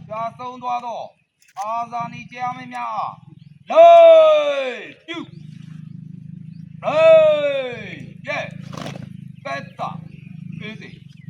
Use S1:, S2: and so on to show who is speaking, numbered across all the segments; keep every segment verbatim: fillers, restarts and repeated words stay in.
S1: ကြာဆုံးသွားတော့အာဇာနည်ကြားမင်းများလေးပြုလေးကဲကဲတာပြေးစီ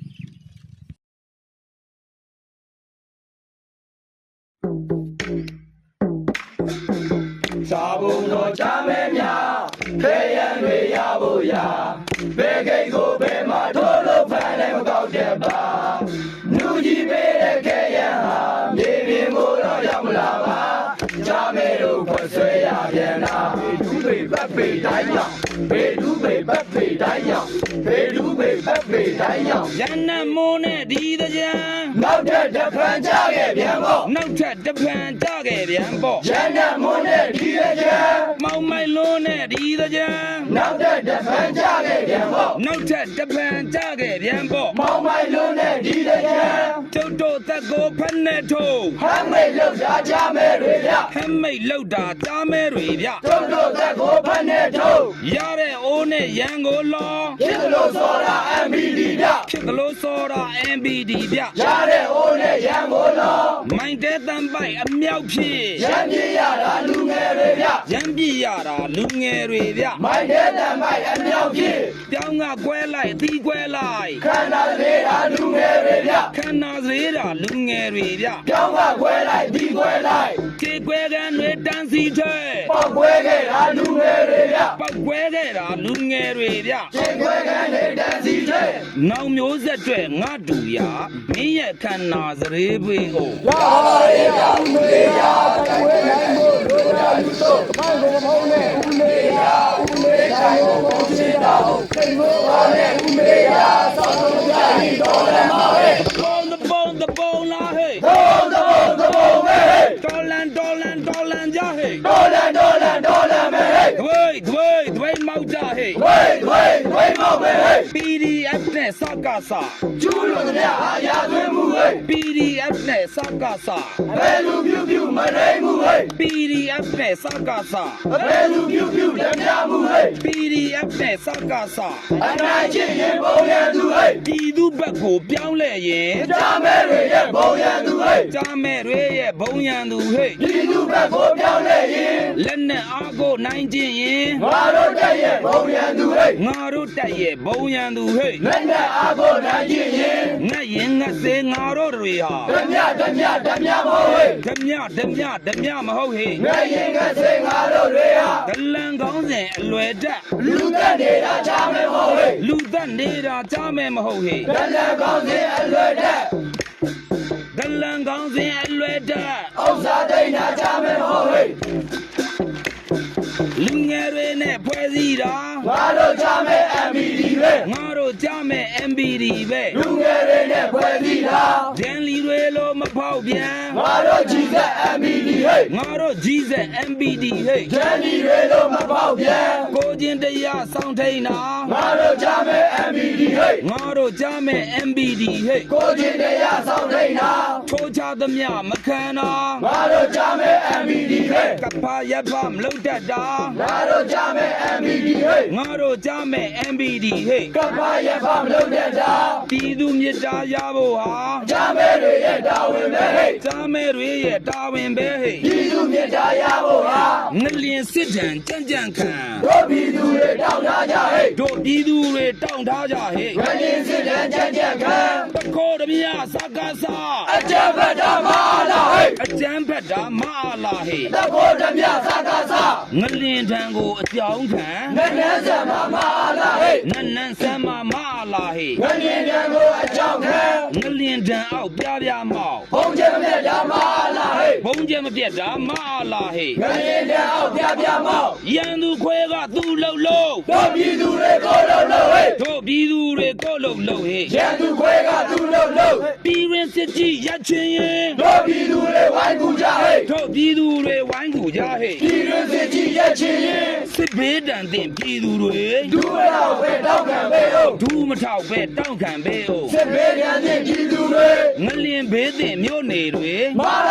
S2: စာဘုံတော်ချမဲများခဲရန်တွေရဖို့ရာဘယ်ကိတ်ကိုဘယ်မှာထိုးလို့ဖမ်းလည်းမကောက်တဲ့ပါနူကြီးပေးတဲ့ခဲရန်ဟာမြေပြင်ကိုတော့ရောက်မလာပါချမဲတို့ခွဆွဲရပြန်တာဘေဒူးပေပတ်ပေတိုင်းရောက်ဘေဒူးပေပတ်ပေတိုင်းရောက်ဘေဒူးပေပတ်ပေတိုင်းရောက်
S3: ရန်နမိုးနဲ့ဒီတကြံ
S2: နောက်ထပ်တစ်ဖန်ကြခဲ့ပြန်ပေါ့
S3: နောက်ထပ်တစ်ဖန်ကြခဲ့ပြန်ပေါ့
S2: ရန်နမိုးနဲ့ဒီတကြံ
S3: မောင်မိုင်လုံးနဲ့ဒီတကြံ
S2: နောက်ထပ်တစ်ဖန်ကြခဲ့ပြန်ပေါ့
S3: နောက်ထပ်တစ်ဖန်ကြခဲ့ပြန်ပေါ့
S2: မောင်မိုင်လုံးနဲ့ဒီတကြံ
S3: ကျုပ်တို့သက်ကိုဖက်နဲ့ထိုး
S2: ဟမ်းမိတ်လောက်တာကြမဲတွေဗျ
S3: ဟမ်းမိတ်လောက်တာကြားမဲတွေဗျ
S2: ကျုပ်တို့သက်ကိုဖက်နဲ့ထိုး
S3: ရတဲ့အိုးနဲ့ရန်ကိုလော
S2: ဖြစ်လို့စောတာ M B D ဗျ
S3: ဖြစ်လို့စောတာ M B D ဗျ
S2: ရတဲ့အိုးနဲ့ရန်ကိုလော
S3: မိုင်းတဲ့တန်ပိုက်အမြောက်ဖြစ်
S2: ရန်ပြရတာလူငယ်တွေဗျ
S3: ရန်ပြရတာလူငယ်တွေဗျ
S2: မိုင်းတဲ့တန်ပိုက်အမြောက်ဖြစ်
S3: ပြောင်းကကွဲလိုက်အသီးကွဲလိုက်
S2: ခန္ဓာလေးတာလူငယ်တွေဗျ
S3: ခန္ဓာသေးတာလူငယ်တွေဗျ
S2: ပြောင်းကကွဲလိုက်ဒီကွဲလိုက်
S3: ခြေကွဲကန်တွေတန်းစီထဲ
S2: ပေါက်ကွဲခဲ့တာလူငယ်တွေဗျ
S3: ပေါက်ကွဲခဲ့တာလူငယ်တွေဗျ
S2: ခြေကွဲကန်တွေတန်းစီထဲ
S3: နောင်မျိုးဆက်တွေငါတူရမင်းရဲ့ခန္ဓာစရေးပွေးကို
S2: ရပါရဲ့ဗျဦးလေးရတိုင်ဝဲနိုင်ဖို့လိုရာလူတို့မိုင်းကိုမဟုတ်နဲ့ဦးလေးရဦးလေးတိုင်းကိုပုံချင်တာစိတ်မိုးပါနဲ့ဦးလေးရသောက်ဆုံးကြရင်တော်လည်းမဟဲ့
S3: ပုံတပုံတပုံလားဟဲ့
S2: ပုံတပုံတပုံပဲဟဲ့
S3: တော်လန်တော်လန်တော်လန်ကြဟဲ့
S2: တော်လန်တော်လန်တော်လန်ပဲဟဲ့
S3: ဒွေဒွေဒွေမောက်ကြဟဲ့
S2: ဒွေဒွေဒွေမောက်ပဲဟဲ့
S3: P D F နဲ့စကားစာ
S2: ကျူးလို့တဲ့အာရသွင်းမှုဟဲ့
S3: P D F နဲ့စကားစာ
S2: ဘယ်လူပြူပြူမရိမှုဟဲ့
S3: P D F နဲ့စကားစာ
S2: ဘယ်လူပြူပြူလက်ပြမှုဟဲ့
S3: P D F နဲ့စကားစာ
S2: အနိုင်ချင်းရင်ဘုံရန်သူဟဲ့
S3: ပြည်သူဘက်ကိုပြောင်းလဲရင်
S2: ကြားမဲတွေရဲ့ဘုံရန်သူဟဲ့
S3: ကြားမဲတွေရဲ့ဘုံရန်သူဟဲ့
S2: ပြည်သူဘက်ကိုပြောင်းလဲရင်
S3: လက်နဲ့အားကိုနိုင်ခြင်းရင်
S2: ငါတို့တက်ရဲ့ဘုံရန်သူဟဲ့
S3: ငါတို့တက်ရဲ့ဘုံရန်သူဟဲ့
S2: လက်နဲ့အားကိုနိုင်ခြင်းရင်
S3: ငတ်ရင်ငတ်စေငါတို့တွေဟာ
S2: ဓမြဓမြဓမြမဟုတ်ဟဲ့
S3: ဓမြဓမြဓမြမဟုတ်ဟဲ့
S2: ငတ်ရင်ငတ်စေငါတို့တွေဟာ
S3: ဒလန်ကောင်းစဉ်အလွယ်တက်
S2: လူသက်နေတာကြားမဲမဟုတ်ဟဲ့
S3: လူသက်နေတာကြားမဲမဟုတ်ဟဲ့
S2: ဒလန်ကောင်းစဉ်အလွယ်တက်
S3: ဒလန်ကောင်းစဉ်အလွယ်တက်
S2: ဥစ္စာတိတ်နာကြားမဲမဟုတ်ဟဲ့
S3: လူငယ်တွေနဲ့ဖွဲ့စည်းတာ
S2: ငါတို့ကြားမဲ M B D ပဲ
S3: ငါတို့ကြားမဲ M B D ပဲ
S2: လူငယ်တွေနဲ့ဖွဲ့စည်းတာ
S3: ဒန်လီတွေလိုမဖောက်ပြန်
S2: ငါတို့ကြီးစက် M B D ဟဲ့
S3: ငါတို့ကြီးစက် M B D ဟဲ့
S2: ဒန်လီတွေလိုမဖောက်ပြန်
S3: ကိုချင်းတရားစောင့်ထိန်တာ
S2: ငါတို့ကြားမဲ M B D ဟဲ့
S3: ငါတို့ကြားမဲ M B D ဟဲ့
S2: ကိုချင်းတရားစောင့်ထိန်တာ
S3: ထိုးချသမျှမခံတာ
S2: ငါတို့ကြားမဲ M B D ဟဲ့
S3: ကပ္ပရဖမလုံတတ်တာ
S2: ငါတို့ကြားမဲ M B D ဟဲ့
S3: ငါတို့ကြားမဲ M B D ဟဲ့
S2: ကပ္ပရဖမလုံတတ်တာ
S3: ပြည်သူမြစ်တာရဖို့ဟာ
S2: ကြားမဲတွေရဲ့တာဝန်ပဲဟဲ့
S3: ကြားမဲတွေရဲ့တာဝန်ပဲဟဲ့
S2: ပြည်သူမြစ်တာရဖို့ဟာ
S3: ငလျင်စစ်တမ်းကြံ့ကြံ့ခံ
S2: တို့ပြည်သူတွေတောင်းထားကြဟဲ့
S3: တို့ပြည်သူတွေတောင်းထားကြဟဲ့
S2: ငလျင်စစ်တမ်းကြံ့ကြံ့ခံ
S3: တခိုးတမြစကားစာ
S2: အကြံဖက်တာမအားလားဟဲ့
S3: အကြံဖက်တာမအားလားဟဲ့
S2: တခိုးတမြစကားစာ
S3: ငလျင်ထံကိုအကြောင်းခံ
S2: နန်းနန်းဆံမမအားလားဟဲ့
S3: နန်းနန်းဆံမမအားလားဟဲ့
S2: ငလျင်ထံကိုအကြောင်းခံ
S3: ငလျင်ထံအောက်ပြပြမောက်
S2: ဘုံကျဲမပြတ်တာမအားလားဟဲ့
S3: ဘုံကျဲမပြတ်တာမအားလားဟဲ့
S2: ငလျင်ထံအောက်ပြပြမောက်
S3: ရန်သူခွဲကသူ့လှုပ်လှုပ်
S2: တို့ပြည်သူတွေကိုလှုပ်လှုပ်ဟဲ့
S3: တို့ပြည်သူတွေကိုလှုပ်လှုပ်ဟဲ့
S2: ရန်သူခွဲကသူ့လှုပ်လှုပ်
S3: ပြည်ရင်စစ်ကြီးရချင်းရင်
S2: တို့ပြည်သူတွေဝိုင်းကူကြဟဲ့
S3: တို့ပြည်သူတွေဝိုင်းကူကြဟဲ့
S2: ပြည်ရင်စစ်ကြီးရချင်းရင်
S3: စစ်ဘေးတန်တင်ပြည်သူတွေ
S2: ဒူးမထောက်ပဲတောက်ခံပဲဟုတ်
S3: ဒူးမထောက်ပဲတောက်ခံပဲဟုတ်
S2: စစ်ဘေးတန်တင်ပြည်သူတွေ
S3: ငလျင်ဘေးတင်မြို့နေတွေ
S2: မာလာချင်း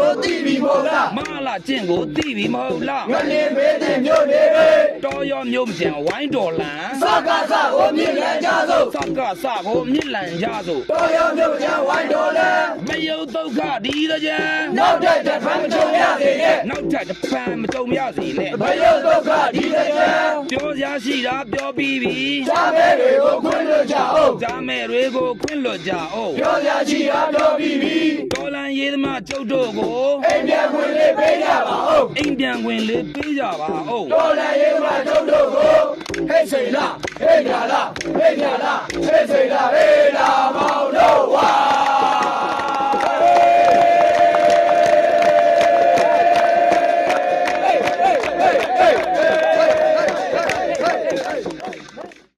S2: ကိုသိပြီမဟုတ်လား
S3: မလာကျင့်ကိုသိပြီမဟုတ်လား
S2: ငလင်းမေးတဲ့မြို့တွေ
S3: တော်ရောမြို့မကျန်ဝိုင်းတော်လန်
S2: စကားစကိုမြင်ရကြစို့
S3: စကစကိုမြစ်လန်ကြစို့
S2: တော်ရောမြို့ချဝိုင်းတော်လဲ
S3: မယုတ်ဒုက္ခဒီတကြံ
S2: နောက်တဲ့တစ်ဖန်မချုံရစေနဲ့
S3: နောက်ထပ်တစ်ပံမကြုံရစီနဲ့
S2: ဘယုတ်ဒုက္ခဒီတစ်ချမ်း
S3: ပြောစရာရှိတာပြောပြီးပြီ
S2: ရှားမဲတွေကိုခွင့်လွှတ်ကြအောင်
S3: ဂျာမဲတွေကိုခွင့်လွတ်ကြအောင်
S2: ပြောရချီအားတော်ပြီးပြီ
S3: တော်လန်ရေးသမားကျုပ်တို့ကို
S2: အိမ်ပြန်ခွင့်လေးပေးကြပါဦး
S3: အိမ်ပြန်ခွင့်လေးပေးကြပါဦး
S2: တော်လည်းရေးမှာတို့တို့ကိုဟဲ့စိန်လားဟဲ့ညာလားဟဲ့ညာလားဟဲ့စိန်လားဟဲ့လာမောင်တို့ဝါ